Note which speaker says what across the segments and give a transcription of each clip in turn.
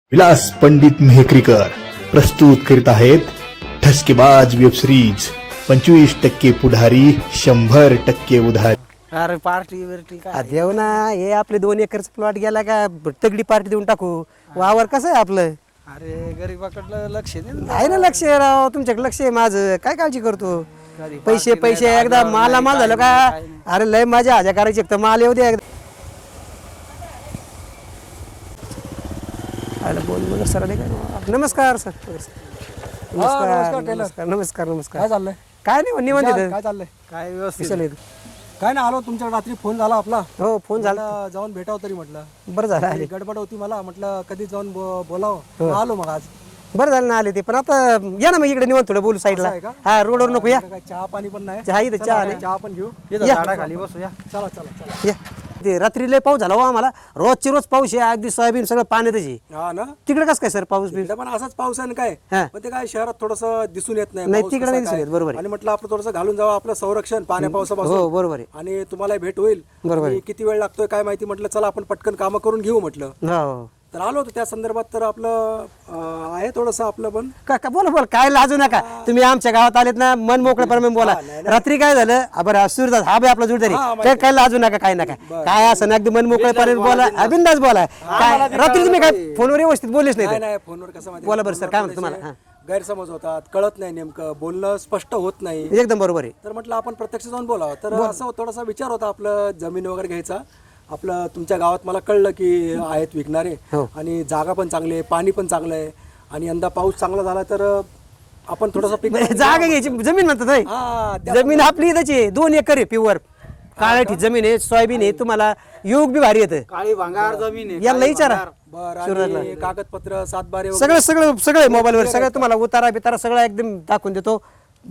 Speaker 1: विलास पंडित मेहकरीकर प्रस्तुत करीत आहेत ठसकेबाज वेब सिरीज 25% पुढारी 100% उधारी.
Speaker 2: अरे पार्टी बिर्टी काय देऊ ना. हे आपले 2 एकरचा प्लॉट गेला का तगडी पार्टी देऊन टाकू. वावर कसं आहे आपलं.
Speaker 3: अरे गरीबाकडलं लक्ष दे ना.
Speaker 2: आहे ना लक्ष राव. तुमच्याकडे लक्ष आहे माझं. काय काळजी करतो. पैसे पैसे एकदा माला माल झालं का. अरे लय माझ्या हाज्या करायची तर माल येऊ दे एकदा. बोल सर नमस्कार सर. नमस्कार नमस्कार नमस्कार नमस्कार.
Speaker 3: काय चाललंय
Speaker 2: काय नाही निवांत येतं.
Speaker 3: काय चाललंय
Speaker 2: काय व्यवस्थित.
Speaker 3: काय ना आलो तुमच्या रात्री फोन झाला आपला.
Speaker 2: हो फोन झाला.
Speaker 3: म्हटलं जाऊन भेटावं तरी म्हटलं.
Speaker 2: बरं झालं आले.
Speaker 3: गडबड होती मला म्हटलं कधी जाऊन बोलावं. आलो मग आज.
Speaker 2: बरं झालं ना आले ते. पण आता या ना मग इकडे निवांत थोडं बोलू साईडला.
Speaker 3: आहे का?
Speaker 2: हा रोडवर नको या.
Speaker 3: काय चहा पाणी पण नाही.
Speaker 2: चहा इथं चहा नाही.
Speaker 3: चहा पण घेऊ.
Speaker 2: या.
Speaker 3: झाडाखाली बसूया. चला चला चला.
Speaker 2: या ते रात्री लय पाऊस झाला हो आम्हाला. रोजची रोज पाऊस आहे. अगदी सोयाबीन सगळं पाण्यातच आहे.
Speaker 3: हा ना.
Speaker 2: तिकडे कसं काय सर पाऊस बी.
Speaker 3: इकडे पण असाच पाऊस आहे ना काय.
Speaker 2: हा.
Speaker 3: पण ते काय शहरात थोडस दिसून येत नाही.
Speaker 2: नाही,
Speaker 3: पाऊस
Speaker 2: तिकडे
Speaker 3: कसा
Speaker 2: नाही दिसून
Speaker 3: काय.
Speaker 2: येत, बरोबर आहे.
Speaker 3: आणि म्हटलं आपलं थोडंसं घालून जावं आपलं संरक्षण पाण्या पावसापासून.
Speaker 2: हो बरोबर आहे.
Speaker 3: आणि तुम्हाला भेट होईल.
Speaker 2: बरोबर आहे.
Speaker 3: आणि किती वेळ लागतोय काय माहिती. म्हटलं चला आपण पटकन कामं करून घेऊ म्हटलं.
Speaker 2: हो
Speaker 3: तर आलो होतो त्या संदर्भात. तर आपलं आहे थोडंसं आपलं पण
Speaker 2: का बोला बोला. काय लाजू नका. तुम्ही आमच्या गावात आलेत ना मन मोकळेपणे बोला. रात्री काय झालं. बरं सूरदास हा बी आपला जोडदारी. काय लाजू नका काय नका. काय असं ना अगदी मन मोकळेपणे बोला. बिंदास बोला. काय रात्री तुम्ही काय फोनवर व्यवस्थित बोललेच
Speaker 3: नाही
Speaker 2: नाही.
Speaker 3: नाही फोनवर कसं माहिती
Speaker 2: बोला बरं सर काय म्हणतो तुम्हाला. हा.
Speaker 3: गैरसमज होतात. कळत नाही नेमकं बोलणं स्पष्ट होत नाही.
Speaker 2: एकदम बरोबर आहे.
Speaker 3: तर म्हटलं आपण प्रत्यक्ष जाऊन बोलावं. तर असं थोडासा विचार होता आपलं जमीन वगैरे घ्यायचा. आपलं तुमच्या गावात मला कळलं की आहेत विकणारे.
Speaker 2: हो.
Speaker 3: आणि जागा पण चांगली आहे पाणी पण चांगलं आहे. आणि यंदा पाऊस चांगला झाला तर आपण थोडंसं पीक
Speaker 2: जागा घ्यायची जमीन म्हणतात होय.
Speaker 3: हा
Speaker 2: जमीन आपली इथंच आहे. 2 एकर आहे प्युअर काळ्याठी जमीन आहे. सोयाबीन आहे. तुम्हाला योग बी भारी येतं.
Speaker 4: काळी भांगार जमीन आहे.
Speaker 2: याला विचारा.
Speaker 3: बरं. आणि कागदपत्र सातबारे
Speaker 2: सगळं सगळं सगळं मोबाईलवर सगळं तुम्हाला उतारा बितारा सगळं एकदम दाखवून देतो.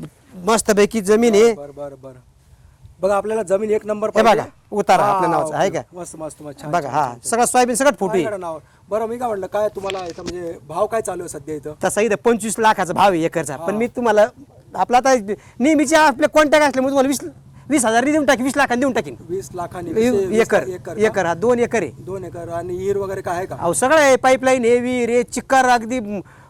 Speaker 2: मस्त पैकी जमीन आहे.
Speaker 3: बरं बरं बरं. बघा आपल्याला जमीन एक नंबर
Speaker 2: हे
Speaker 3: पाहिजे.
Speaker 2: बघा उतारा
Speaker 3: हा,
Speaker 2: आपल्या नावाचा आहे का.
Speaker 3: मस्त मस्त मस्त छान,
Speaker 2: बघा
Speaker 3: छान,
Speaker 2: हा
Speaker 3: छान, छान.
Speaker 2: सगळं सोयाबीन सगळं फुटी.
Speaker 3: माझ्याकडे नाव. बरं मी काय म्हटलं काय तुम्हाला इथं म्हणजे भाव काय चालू आहे सध्या इथं.
Speaker 2: तसा इथं 25 लाखाचा भाव आहे एकरचा. पण मी तुम्हाला आपला आता नेहमीचे आपले कॉन्टॅक्ट असल्यामुळे तुम्हाला 20,000 देऊन टाकी. 20 लाखांनी देऊन टाकीन.
Speaker 3: 20 लाखांनी
Speaker 2: एकर एकर हा 2 एकर आहे.
Speaker 3: 2 एकर. आणि विहीर वगैरे काय आहे का.
Speaker 2: अहो सगळं आहे. पाईपलाईन आहे विहीर आहे चिक्कार अगदी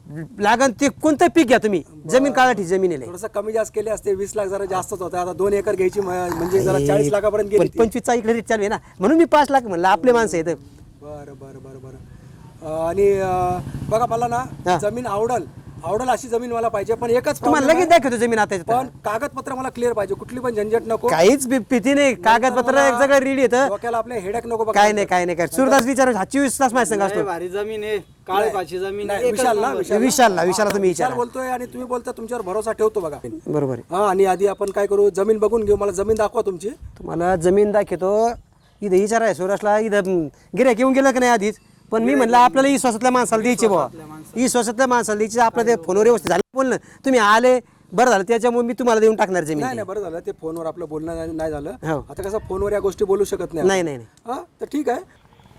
Speaker 2: लागन ते कोणतं पीक घ्या तुम्ही. जमीन काळाठी जमीन आहे.
Speaker 3: थोडंसं कमी जास्त केले असते. 20 लाख जरा जास्तच होतं. आता 2 एकर घ्यायची म्हणजे जरा 40 लाखापर्यंत गेली ती.
Speaker 2: 25चा इकडे रेट चालू आहे ना म्हणून मी 5 लाख म्हणलं. आपले माणसं आहेत.
Speaker 3: बरं बरं बरं बरं. आणि बघा मला ना जमीन आवडल अशी जमीन मला पाहिजे. पण एकच
Speaker 2: तुम्हाला
Speaker 3: problem
Speaker 2: लगेच
Speaker 3: आहे,
Speaker 2: दाखवतो जमीन आता.
Speaker 3: पण कागदपत्र मला क्लिअर पाहिजे. कुठली पण झंझट नको.
Speaker 2: काहीच भीती नाही. कागदपत्र सगळं रेडी येतं.
Speaker 3: डोक्याला आपल्या हेडक नको.
Speaker 2: काय नाही काय नाही काय. सूरदास विचार 24 तास माझ्या संग
Speaker 4: लय
Speaker 2: असतो.
Speaker 4: भारी जमीन आहे. काळी पाची जमीन आहे.
Speaker 3: विशालला
Speaker 2: विशालला तुम्ही
Speaker 3: विशाल
Speaker 2: विचारा.
Speaker 3: बोलतोय आणि तुम्ही बोलता तुमच्यावर भरोसा ठेवतो बघा.
Speaker 2: बरोबर आहे.
Speaker 3: हा. आणि आधी आपण काय करू जमीन बघून घेऊ. मला जमीन दाखवा तुमची.
Speaker 2: तुम्हाला जमीन दाखवतो. इथं विचार आहे सुरसला. इथं गिऱ्हाईक येऊन गेलं की नाही आधीच. पण मी म्हणलं आपल्याला विश्वासातल्या माणसाला द्यायची बाबा. विश्वासातल्या माणसाला द्यायची. आपलं ते फोनवर व्यवस्थित झालं बोलणं. तुम्ही आले बरं झालं. त्याच्यामुळे मी तुम्हाला देऊन टाकणार जमीन.
Speaker 3: नाही नाही बरं झालं ते फोनवर आपलं बोलणं नाही झालं.
Speaker 2: हो.
Speaker 3: आता कसं फोनवर या गोष्टी बोलू शकत नाही.
Speaker 2: नाही नाही नाही.
Speaker 3: हा तर ठीक आहे.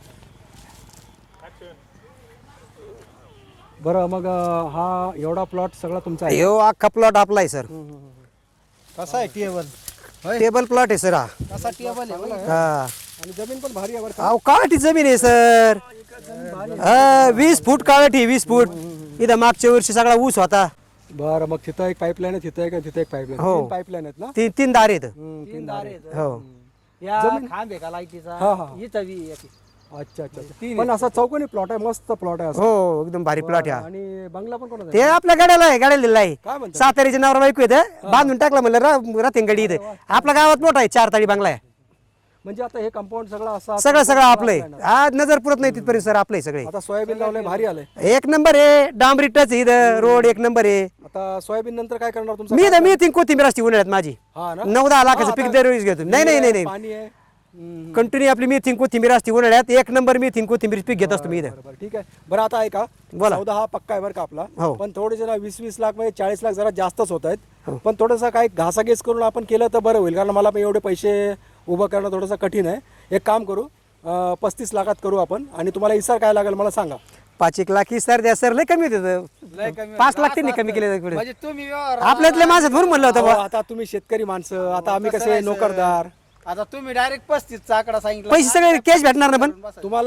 Speaker 3: बरं मग हा एवढा प्लॉट सगळा तुमचा आहे.
Speaker 2: हो अख्खा प्लॉट आपला आहे सर.
Speaker 4: कसा आहे टेबल.
Speaker 2: टेबल प्लॉट आहे सर हा.
Speaker 4: कसा टेबल आहे.
Speaker 2: हा
Speaker 3: आणि जमीन पण भारी आहे बरं का.
Speaker 2: अहो काळाठी जमीन आहे सर. 20 फूट काळाठी 20 फूट. इथं मागच्या वर्षी सगळा ऊस होता.
Speaker 3: बरं मग तिथं एक पाईपलाईन आहे. तिथं एक पाईपलाईन.
Speaker 2: हो.
Speaker 3: 3 पाईपलाईन आहेत ना.
Speaker 2: 3 दार आहेत.
Speaker 3: 3 दार आहेत.
Speaker 2: हो
Speaker 4: या खांब आहे का लाईटीचा.
Speaker 3: हा हा.
Speaker 4: इथं बी एक.
Speaker 3: अच्छा अच्छा अच्छा. पण असा चौकोनी प्लॉट आहे. मस्त प्लॉट आहे असा.
Speaker 2: हो एकदम भारी प्लॉट आहे.
Speaker 3: आणि बंगला पण कोणाचा
Speaker 2: ते आपल्या गाड्याला आहे. गाड्याला दिलेला आहे.
Speaker 3: काय म्हणतात.
Speaker 2: सातारीचे नवरा बायको येतं. बांधून टाकला म्हणलं राहते गडी इथं. आपल्या गावात मोठा आहे 4 ताळी बंगला आहे.
Speaker 3: म्हणजे आता हे कंपाऊंड सगळं असं
Speaker 2: सगळं आपलं आहे. आज नजर पुरत नाही तिथपर्यंत सर आपलं आहे सगळे.
Speaker 3: आता सोयाबीन लावलंय भारी आलंय.
Speaker 2: एक नंबर आहे. डांबरी टच इथं रोड एक नंबर आहे.
Speaker 3: आता सोयाबीन नंतर काय करणार तुमचं.
Speaker 2: मी तीन कोथिंबीर असते उन्हाळ्यात माझी.
Speaker 3: हा ना.
Speaker 2: 9-10 लाखाचं
Speaker 3: हा,
Speaker 2: पीक
Speaker 3: आता
Speaker 2: दरवेळेस घेतो. नाही
Speaker 3: पाणी आहे.
Speaker 2: कंटिन्यू आपली मेथीन कोथिंबीर असते उन्हाळ्यात. एक नंबर मेथीन कोथिंबीर पीक घेत असतो मी इथं.
Speaker 3: बरं ठीक आहे. बरं आता ऐका.
Speaker 2: बोला.
Speaker 3: सौदा हा पक्का आहे बरं का आपला.
Speaker 2: हो.
Speaker 3: पण थोडेसे ना 20-20 लाख म्हणजे 40 लाख जरा जास्तच होत आहेत. पण थोडंसं काय घासाघेस करून आपण केलं तर बरं होईल. कारण मला पण एवढे पैसे उभं करणं थोडंसं कठीण आहे. एक काम करू 35 लाखात करू आपण. आणि तुम्हाला इसार काय लागेल मला सांगा.
Speaker 2: 5-1 लाख सर द्या सर. लय कमी होते.
Speaker 4: लय कमी.
Speaker 2: 5 लाख त्यांनी कमी केले.
Speaker 4: म्हणजे तुम्ही व्यवहार.
Speaker 2: आपल्यातले माणसं म्हणून म्हणलं होतं
Speaker 3: अहो,
Speaker 2: बुवा.
Speaker 3: आता तुम्ही शेतकरी माणसं. आता आम्ही
Speaker 4: कसं
Speaker 3: कसे
Speaker 4: राहायचं?
Speaker 3: नोकरदार.
Speaker 4: आता तुम्ही डायरेक्ट 35 चा आकडा सांगितला.
Speaker 2: पैसे सगळे कॅश भेटणार ना. पण
Speaker 3: तुम्हाला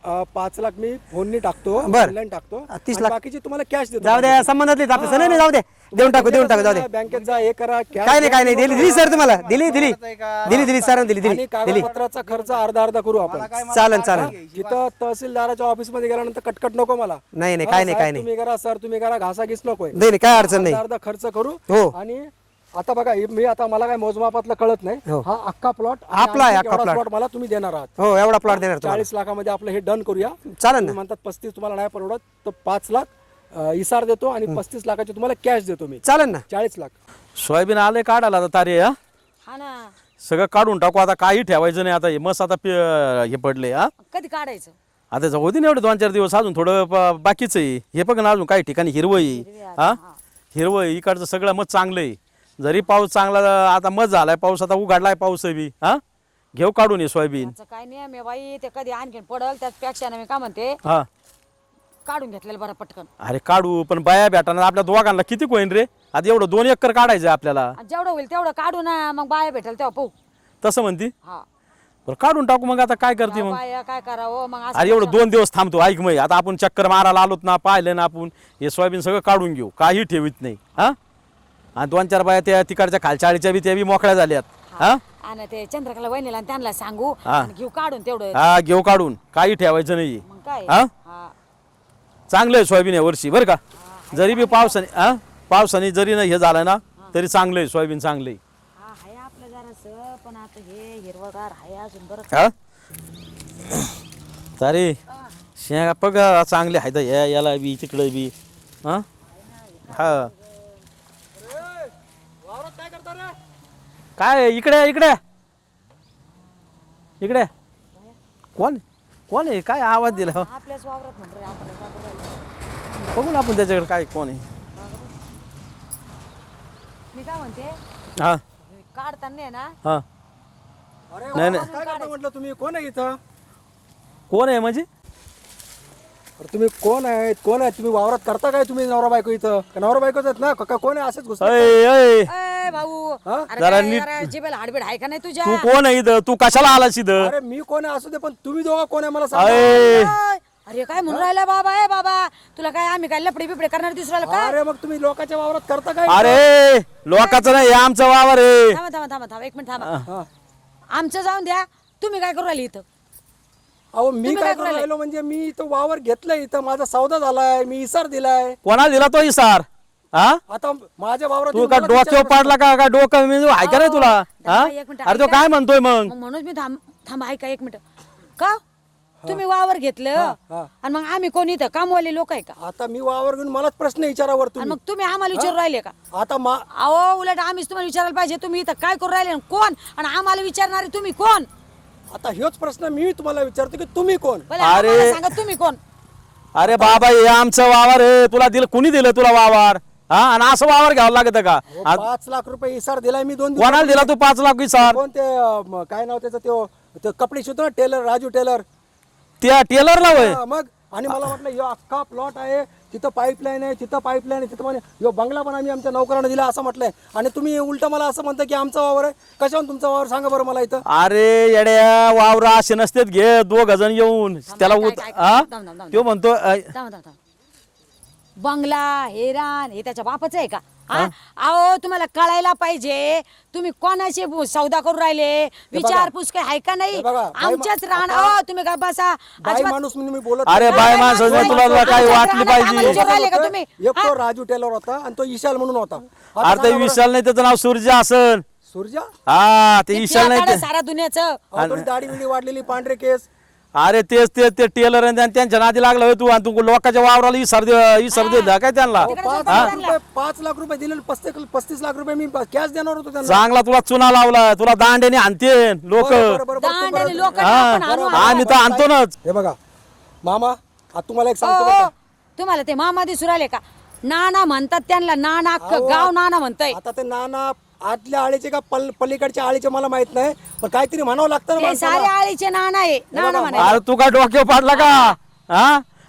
Speaker 3: 5 लाख मी फोननी टाकतो,
Speaker 2: बरं.
Speaker 3: ऑनलाईन टाकतो,
Speaker 2: 30
Speaker 3: आणि
Speaker 2: लाख.
Speaker 3: बाकीचे तुम्हाला कॅश देतो.
Speaker 2: जाऊ द्या, संबंधातले आपले नाही जाऊ दे, देऊन टाकू जाऊ दे.
Speaker 3: बँकेत जा, हे करा, cash
Speaker 2: काय नाही
Speaker 3: द्या.
Speaker 2: दिली सर तुम्हाला दिली सर दिली
Speaker 3: आणि कागदपत्राचा खर्च अर्धा करू आपण.
Speaker 2: चालन
Speaker 3: जिथं तहसीलदाराच्या ऑफिस मध्ये गेल्यानंतर कटकट नको मला.
Speaker 2: नाही
Speaker 3: हा,
Speaker 2: काय नाही
Speaker 3: साहेब, तुम्ही करा सर, तुम्ही करा, घासाघीस नकोय.
Speaker 2: नाही काय अडचण नाही.
Speaker 3: अर्धा खर्च करू.
Speaker 2: हो.
Speaker 3: आणि आता बघा, मी आता मला काय मोजमापातलं कळत नाही.
Speaker 2: हो.
Speaker 3: हा अख्खा प्लॉट
Speaker 2: आपला आहे, अख्खा plot.
Speaker 3: प्लॉट मला तुम्ही देणार आहात.
Speaker 2: हो एवढा प्लॉट देणार तुम्हाला.
Speaker 3: 40 लाखामध्ये आपलं हे डन करूया.
Speaker 2: चालेल
Speaker 3: तुम्ही
Speaker 2: ना.
Speaker 3: म्हणतात 35 तुम्हाला नाही परवडत, तर 5 लाख इसार देतो आणि 35 लाखाचे तुम्हाला कॅश देतो मी.
Speaker 2: चालेल ना.
Speaker 3: 40 लाख.
Speaker 5: सोयाबीन आले काढायला आता तारे हा
Speaker 6: हा ना.
Speaker 5: सगळं काढून टाकू आता, काही ठेवायचं नाही आता. हे मस्त आता हे पडले हा
Speaker 6: कधी काढायचं?
Speaker 5: आता जाऊ दे ना एवढे 2-4 दिवस, अजून थोडं बाकीच आहे. हे बघ ना, अजून काही ठिकाणी हिरवं आहे हा, हिरवं आहे. इकडचं सगळं मग चांगलं आहे. जरी पाऊस चांगला आता मत झालाय, पाऊस आता उघडलाय, पाऊस बी हा, घेऊ काढून ये सोयाबीन.
Speaker 6: त्याचं काय नियम आहे बाई, ते कधी आणखीन पडल त्यापेक्षा ना मी काय म्हणते,
Speaker 5: हा
Speaker 6: काढून घेतलेलं बरं पटकन.
Speaker 5: अरे काढू, पण बाया भेटाना आपल्या दोघांना किती होईन रे? आता एवढं 2 एकर काढायचं आपल्याला.
Speaker 6: आणि जेवढं होईल तेवढं काढू ना, मग बाया भेटेल तेव्हा पाहू.
Speaker 5: तसं म्हणती,
Speaker 6: हा
Speaker 5: बरं काढून टाकू मग. आता काय करते मग?
Speaker 6: बाया काय करावं मग असं
Speaker 5: अरे एवढं 2 दिवस थांबतो. ऐक मग, आता आपण चक्कर मारायला आलोत ना, पाहिलं ना आपण, हे सोयाबीन सगळं काढून घेऊ, काही ठेवीत नाही हा. आणि 2-4 बाया त्या तिकडच्या खालच्या आळीच्या बी त्या बी मोकळ्या झाल्यात हा.
Speaker 6: आणि ते चंद्रकला वहिनीला आणि त्यांना सांगू
Speaker 5: हा.
Speaker 6: आणि घेऊ काढून तेवढं.
Speaker 5: हा घेऊ काढून, काही ठेवायचं नाही
Speaker 6: मग काय
Speaker 5: हा.
Speaker 6: हा.
Speaker 5: चांगलं आहे सोयाबीन या वर्षी बरं का. जरी बी पावसाने जरी नाही हे झालं ना, तरी चांगलं आहे सोयाबीन, चांगलं आहे
Speaker 6: हा हाय आपलं जरासं, पण आता हे हिरवगार हाय अजून बरं.
Speaker 5: हा. तरी शेंगा बघ चांगले आहेत याला बी, तिकडे बी हा. हा काय इकडे इकडे इकडे कोण कोण आहे? काय आवाज दिला?
Speaker 6: आपल्याच वावरात म्हणतो रे, आपण काय करायचं?
Speaker 5: बघू ना आपण त्याच्याकडे काय कोण आहे.
Speaker 6: मी काय म्हणते,
Speaker 5: हा
Speaker 6: काढताना आहे ना,
Speaker 5: हा. नाही नाही,
Speaker 3: काय करता म्हटलं तुम्ही? कोण आहे इथं?
Speaker 5: कोण आहे म्हणजे?
Speaker 3: अरे तुम्ही कोण आहेत? कोण आहेत तुम्ही? वावरात करता काय तुम्ही? नवरा बायको इथं का नवरा बायकोच आहेत ना? का कोण आहे? असेच घुसतात?
Speaker 5: अय अय,
Speaker 6: ए भाऊ, अरे
Speaker 5: जरा
Speaker 6: काय
Speaker 5: नीट-
Speaker 6: जरा जिभेला हाडबीड आहे का नाही तुझ्या?
Speaker 5: तू कोण आहे इथं? तू कशाला आलास इथं?
Speaker 3: अरे मी कोण आहे असू दे, पण तुम्ही दोघं कोण आहे मला सांगा.
Speaker 5: अय
Speaker 6: ओय, अरे काय म्हणून राहिला बाबा? ए बाबा, तुला काय आम्ही काय लपडे बिपडे करणार दिसरायला का?
Speaker 3: अरे मग तुम्ही लोकांच्या वावरात करता काय?
Speaker 5: अरे लोकांचं नाही, हे आमचं वावर आहे.
Speaker 6: थांबा एक मिनिट थांबा.
Speaker 3: हा.
Speaker 6: आमचं जाऊन द्या, तुम्ही काय करू राहिली इथं?
Speaker 3: अहो मी
Speaker 6: तुम्ही
Speaker 3: काय
Speaker 6: काय
Speaker 3: करू
Speaker 6: करायला?
Speaker 3: राहिलो म्हणजे मी इथं वावर घेतलंय, इथं माझा सौदा झालाय, मी इसार दिलाय.
Speaker 5: कोणाला दिला तो इसार हा?
Speaker 3: आता माझ्या वावरात
Speaker 5: तू
Speaker 3: येऊन
Speaker 5: का
Speaker 3: मला
Speaker 5: डोक्यावर
Speaker 3: विचारू
Speaker 5: पाडला का डोकं म्हणजे आहे का नाही तुला हा?
Speaker 6: थांबा, एक मिनिट,
Speaker 5: अरे तो
Speaker 6: ऐका.
Speaker 5: काय म्हणतोय मग?
Speaker 6: मग म्हणून मी थांबा ऐका एक मिनिट. का तुम्ही वावर घेतलं आणि मग आम्ही कोण इथं कामवाले लोक आहे का?
Speaker 3: आता मी वावर घेऊन मलाच प्रश्न विचारावर
Speaker 6: आणि
Speaker 3: तुम्ही.
Speaker 6: मग तुम्ही आम्हाला विचारू राहिले का?
Speaker 3: आता
Speaker 6: अहो उलट आम्हीच तुम्हाला विचारायला पाहिजे, तुम्ही इथं काय करू राहिले आणि कोण, आणि आम्हाला विचारणारे तुम्ही कोण?
Speaker 3: आता ह्योच प्रश्न मी तुम्हाला विचारतो की तुम्ही कोण?
Speaker 6: भले आम्हाला सांगा तुम्ही कोण?
Speaker 5: अरे बाबा हे आमचं वावर आहे, तुला दिलं कुणी दिलं तुला वावर हा? आणि असं वावर घ्यावं लागत का?
Speaker 3: 5 लाख रुपये इसार दिलाय मी 2
Speaker 5: कोणाला दिला तू 5 लाख इसार?
Speaker 3: कोण ते काय नाव त्याचं ते कपडे शिवतो ना, टेलर, राजू टेलर.
Speaker 5: त्या टेलरला होय?
Speaker 3: हा, मग आणि मला वाटलं ह्यो अख्खा प्लॉट आहे, तिथं पाईपलाईन आहे, तिथं पाईपलाईन आहे, तिथं म्हणे ह्यो बंगला पण आम्ही आमच्या नोकरांना दिला असं म्हटलंय. आणि तुम्ही उलट मला असं म्हणता की आमचा वावर आहे. कशावर तुमचा वावर सांगा बरं मला इथं.
Speaker 5: अरे येड्या, वावर असे नसतेत घे 2 जण येऊन त्याला
Speaker 6: काय-
Speaker 5: हा?
Speaker 6: थांब.
Speaker 5: तो म्हणतो
Speaker 6: थांबा. बंगला हेरान हे त्याच्या बापाचं आहे का? हा? अहो तुम्हाला कळायला पाहिजे, तुम्ही कोणाशी सौदा करू राहिले, विचारपूस काय आहे का नाही?
Speaker 3: हे बघा, बाई
Speaker 6: आमच्याच रान. अहो तुम्ही काय बसा
Speaker 3: बाई
Speaker 6: अजिबात-
Speaker 3: माणूस म्हणून मी बोलत
Speaker 5: अरे
Speaker 3: नाही.
Speaker 5: बाय माणसं
Speaker 6: बाई
Speaker 5: तुला
Speaker 6: माणसं,
Speaker 5: काही
Speaker 6: आमच्याच
Speaker 5: वाटली
Speaker 6: रानात आम्हाला
Speaker 5: पाहिजे.
Speaker 6: विचारू राहिले का तुम्ही?
Speaker 3: एक तो राजू टेलर होता आणि तो ईशाल म्हणून होता. आता
Speaker 5: अरे ते
Speaker 3: सांगा बरं,
Speaker 5: विशाल नाही, त्याचं नाव सूर्य असन.
Speaker 3: सूर्या
Speaker 5: हा ते
Speaker 6: ते
Speaker 5: विशाल नाही
Speaker 6: पियाकाडं
Speaker 5: ते.
Speaker 6: सारा दुनियाचं.
Speaker 3: अहो, थोडी दाढी बिडी वाढलेली, पांढरे केस.
Speaker 5: अरे तेच ते टेलर आणि त्यांच्या नादी लागला होय तू, आणि तू लोकांच्या वावराला इसार दिला काय त्यांना?
Speaker 3: 5 लाख रुपये दिले, 35 लाख रुपये मी कॅश देणार होतो त्यांना.
Speaker 5: चांगला तुला चुना लावला, तुला दांड्याने आणते लोक.
Speaker 3: बरं, बरं, बरं,
Speaker 6: दांड
Speaker 3: बरं,
Speaker 6: आणि
Speaker 3: बरं.
Speaker 6: लोकांना आपण आणू.
Speaker 5: आम्ही तर आणतोच.
Speaker 3: हे बघा मामा, आता तुम्हाला एक
Speaker 6: ओ,
Speaker 3: सांगतो
Speaker 6: ओ,
Speaker 3: बरं का.
Speaker 6: तुम्हाला ते मामा दिसू राहिले का? नाना म्हणतात त्यांना, नाना अख्खं
Speaker 3: अहो,
Speaker 6: गाव नाना म्हणतंय.
Speaker 3: आता ते नाना आतल्या आळीचे का पलीकडच्या आळीचे मला माहित नाही, पण काहीतरी म्हणावं लागतं ना
Speaker 6: ते
Speaker 3: माणसाला.
Speaker 6: सारे आळीचे नाना आहे, नाना म्हणायचे.
Speaker 5: अरे तू काय डोक्यावर पाडला का हा?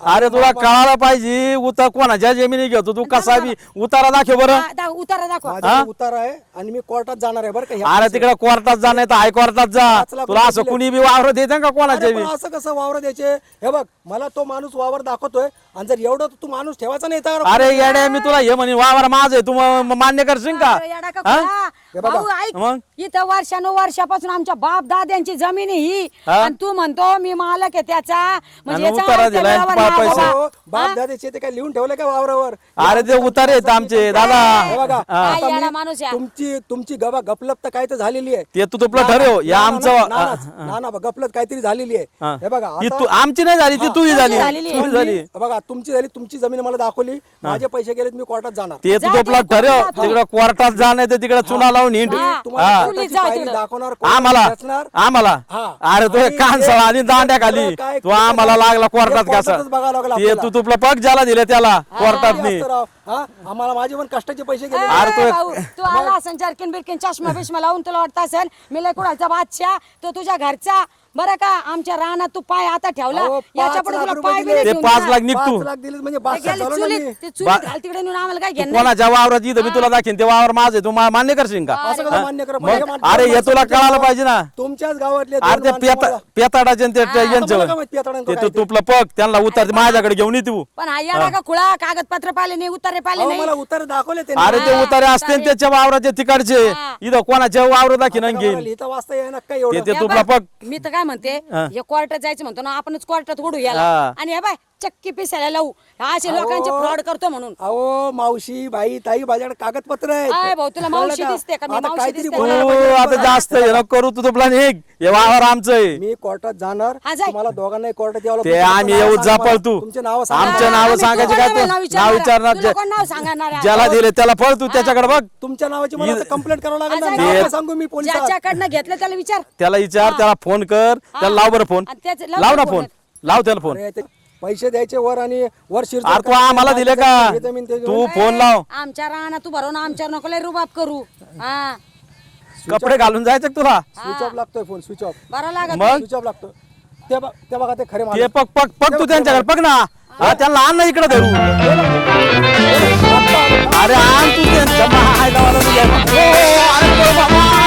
Speaker 5: अरे तुला कळायला पाहिजे उतार कोणाच्या जमिनी घेतो तू कसा बी उतारा दाखव बरं.
Speaker 6: उतारा दाखवा.
Speaker 3: माझ्याकडे उतारा आहे आणि मी कोर्टात जाणार आहे बरं का ह्या
Speaker 5: अरे
Speaker 3: पैसे.
Speaker 5: तिकडे कोर्टात जा नाही तर हायकोर्टात जा.
Speaker 3: 5 लाख
Speaker 5: तुला
Speaker 3: रुपये
Speaker 5: असं
Speaker 3: दिले.
Speaker 5: कुणी बी वावर देते का कोणाच्या
Speaker 3: अरे
Speaker 5: बी.
Speaker 3: पण असं कसं वावर द्यायचे हे बघ मला तो माणूस वावर दाखवतोय आणि जर एवढं तू माणूस ठेवायचा नाही तर
Speaker 5: अरे येड्या मी तुला हे म्हणे वावर माझं आहे तू मान्य करशील का.
Speaker 6: अरे येडा का खुळा? भाऊ, ऐक.
Speaker 5: मग?
Speaker 6: इथं वर्षानुवर्षापासून आमच्या बाप दाद्यांची जमीन आहे ही
Speaker 5: हा?
Speaker 6: आणि तू म्हणतो मी मालक आहे त्याचा म्हणजे
Speaker 5: आणि
Speaker 6: याचा
Speaker 5: उतारा
Speaker 6: अर्थ
Speaker 5: दिलाय
Speaker 6: व्यवहार
Speaker 5: आणि
Speaker 6: नाही
Speaker 5: पैसे.
Speaker 6: बाबा.
Speaker 3: बाप दादाचे ते काय लिहून ठेवलं का वावरावर
Speaker 5: अरे ते उतारे आहेत आमचे दादा.
Speaker 3: हे बघा
Speaker 6: काय
Speaker 3: आता
Speaker 6: येडा
Speaker 3: मी-
Speaker 6: माणूस आहे.
Speaker 3: तुमची गपलत तर काय तर झालेली आहे
Speaker 5: ते तू तुला ठरव या आमचं
Speaker 3: ना गपलत काहीतरी झालेली आहे हे बघा
Speaker 5: ही
Speaker 3: आता-
Speaker 5: तू आमची नाही झाली ती तुझी झाली
Speaker 6: झालेली आहे.
Speaker 5: तुझी झाली.
Speaker 3: बघा तुमची झाली तुमची जमीन मला दाखवली माझे पैसे गेलेत मी कोर्टात जाणार
Speaker 5: ते तू
Speaker 6: जा
Speaker 5: तुला
Speaker 6: तिकडे
Speaker 5: ठरव
Speaker 6: कोर्टात जा.
Speaker 5: तिकडे कोर्टात जा नाही तर तिकडे चुना लावून हिंड.
Speaker 6: हा.
Speaker 3: तुम्हाला
Speaker 5: हा.
Speaker 3: कोर्टाची
Speaker 6: जाऊ
Speaker 3: पायरी
Speaker 6: तिकडं.
Speaker 3: दाखवणार कोर्टात
Speaker 5: आम्हाला
Speaker 3: बसणार.
Speaker 5: आम्हाला
Speaker 3: हा.
Speaker 5: अरे तू
Speaker 3: आणि
Speaker 5: कानसळा आणि दांड्या खाली
Speaker 3: तुला काय
Speaker 5: तू आम्हाला लागला कोर्टात
Speaker 3: कोर्टातच
Speaker 5: कसं
Speaker 3: बघावं लागलं
Speaker 5: ते
Speaker 3: आपल्याला.
Speaker 5: तू तुला पग ज्याला दिले त्याला कोर्टात
Speaker 3: किती
Speaker 5: नाही.
Speaker 3: असतं राव? हा? आम्हाला माझे पण कष्टाचे पैसे गेले
Speaker 5: अरे
Speaker 6: ए,
Speaker 5: तो-
Speaker 6: भाऊ, तू आला असेल जर्किन बिरकिन चष्मा बिष्मा लावून तुला वाटत असेल मी लय कुणाचा बादशाह तो तुझ्या घरचा बरं का आमच्या रानात तू पाय आता ठेवला
Speaker 3: अहो,
Speaker 6: याच्या
Speaker 3: 5
Speaker 6: पुढे
Speaker 3: लाख
Speaker 6: तुला
Speaker 3: रुपये
Speaker 6: पाय
Speaker 3: दिले.
Speaker 6: बी
Speaker 5: ते
Speaker 6: नाही
Speaker 5: 5
Speaker 6: घेऊन
Speaker 5: लाख
Speaker 6: जा.
Speaker 5: निघ तू
Speaker 3: 5 लाख दिले म्हणजे
Speaker 6: ते
Speaker 3: बादशाह
Speaker 6: गेली
Speaker 3: झालो ना
Speaker 6: चुलीत,
Speaker 3: मी.
Speaker 6: ते चुलीत घाल तिकडे नेऊन आम्हाला काय घेणं
Speaker 5: कोणाच्या वावरात इथं मी तुला दाखीन ते वावर माझे तू मान्य करशील का.
Speaker 3: असं कसं मान्य करा?
Speaker 5: मग
Speaker 3: माझ्या माणसाला
Speaker 5: अरे हे तुला कळायला पाहिजे ना.
Speaker 3: तुमच्याच गावातले
Speaker 5: अरे
Speaker 3: दोन
Speaker 5: ते
Speaker 3: माणसं मला-
Speaker 5: पेताडाचे आणि ते
Speaker 3: मला
Speaker 5: यांचं
Speaker 3: काय माहित पेताडांचं
Speaker 5: ते
Speaker 3: काय
Speaker 5: तू
Speaker 3: ते?
Speaker 5: तुपलं पग त्यांना उतर माझ्याकडे घेऊन ये तू.
Speaker 6: पण हा येडा का खुळा कागदपत्र पाहिले नाही उतारे पाहिले
Speaker 3: अहो,
Speaker 6: नाही
Speaker 3: मला उतारे दाखवले त्यांनी.
Speaker 5: अरे ते उतारे असते ना त्याच्या वावराचे तिकडचे
Speaker 6: हा.
Speaker 5: इथं कोणाच्या वावर दाखीन आणि
Speaker 3: आता मला
Speaker 5: घेईन
Speaker 3: लिहिता वाचता येईना काय एवढं
Speaker 5: ते
Speaker 6: हे
Speaker 5: तुपला
Speaker 6: बघ,
Speaker 5: पग.
Speaker 6: मी तर काय म्हणते हे कोर्टात जायचं म्हणतो ना आपणच कोर्टात ओढू याला
Speaker 5: हा.
Speaker 6: आणि हे बाय चक्की पिसायला लावू हा असे लोकांचे फ्रॉड करतो म्हणून
Speaker 3: अहो मावशी बाई ताई माझ्याकडे कागदपत्र आहेत
Speaker 6: काय भाऊ, तुला
Speaker 3: कळलं
Speaker 6: मावशी
Speaker 3: का?
Speaker 6: दिसते का? मी
Speaker 3: आता
Speaker 6: मावशी
Speaker 3: काहीतरी
Speaker 6: दिसते
Speaker 3: बोलायला
Speaker 5: तू
Speaker 3: पाहिजे
Speaker 5: आता
Speaker 3: तुम्हाला.
Speaker 5: जास्त हे नको करू तू तुपला निघ हे वावर आमचं आहे.
Speaker 3: मी कोर्टात जाणार
Speaker 6: हा, जाय.
Speaker 3: तुम्हाला दोघांनाही कोर्टात यावं
Speaker 5: ते
Speaker 3: लागतं.
Speaker 5: आम्ही
Speaker 3: तुमचं
Speaker 5: येऊ
Speaker 3: नाव सांगा
Speaker 5: जापळ
Speaker 3: मला.
Speaker 5: तू
Speaker 3: तुमचे नाव सांगा.
Speaker 5: आमचे नाव
Speaker 6: आम्ही
Speaker 5: सांगायचे काय
Speaker 6: तुला
Speaker 5: तू
Speaker 6: नाव
Speaker 5: नाव विचारणार
Speaker 6: तुला कोण नाव सांगणार आहे?
Speaker 5: ज्याला दिले त्याला फळ तू त्याच्याकडे बघ
Speaker 3: तुमच्या नावाची मला कंप्लेंट करावं लागेल ना.
Speaker 6: आज
Speaker 3: नाव
Speaker 6: आहे.
Speaker 3: काय सांगू मी पोलिसात
Speaker 6: ज्याच्याकडनं घेतलं त्याला विचार
Speaker 5: त्याला विचार त्याला फोन कर त्याला लाव बरं फोन
Speaker 6: आणि त्याचं लाव
Speaker 5: लाव ना
Speaker 6: फोन.
Speaker 5: फोन लाव त्याला फोन.
Speaker 3: अरे, ते पैसे द्यायचे वर आणि वर शिरतो
Speaker 5: अरे तू आम्हाला दिले का तू फोन लाव
Speaker 6: आमच्या राहणार तू भरवून आमच्यावर नको लय रुबाब करू हा
Speaker 5: कपडे घालून जायचं का तुला
Speaker 3: स्विच ऑफ लागतोय फोन स्विच ऑफ
Speaker 6: बरं लागत
Speaker 5: मग
Speaker 3: स्विच ऑफ लागतो ते बघा ते खरे
Speaker 5: ते
Speaker 3: माणूस.
Speaker 5: पग पग पग तू त्यांच्याकडे पग ना हा, त्यांना आण ना इकडे धरू अरे आण तू त्यांच्या मायला वाला तुझ्या. ओ, अरे बाबा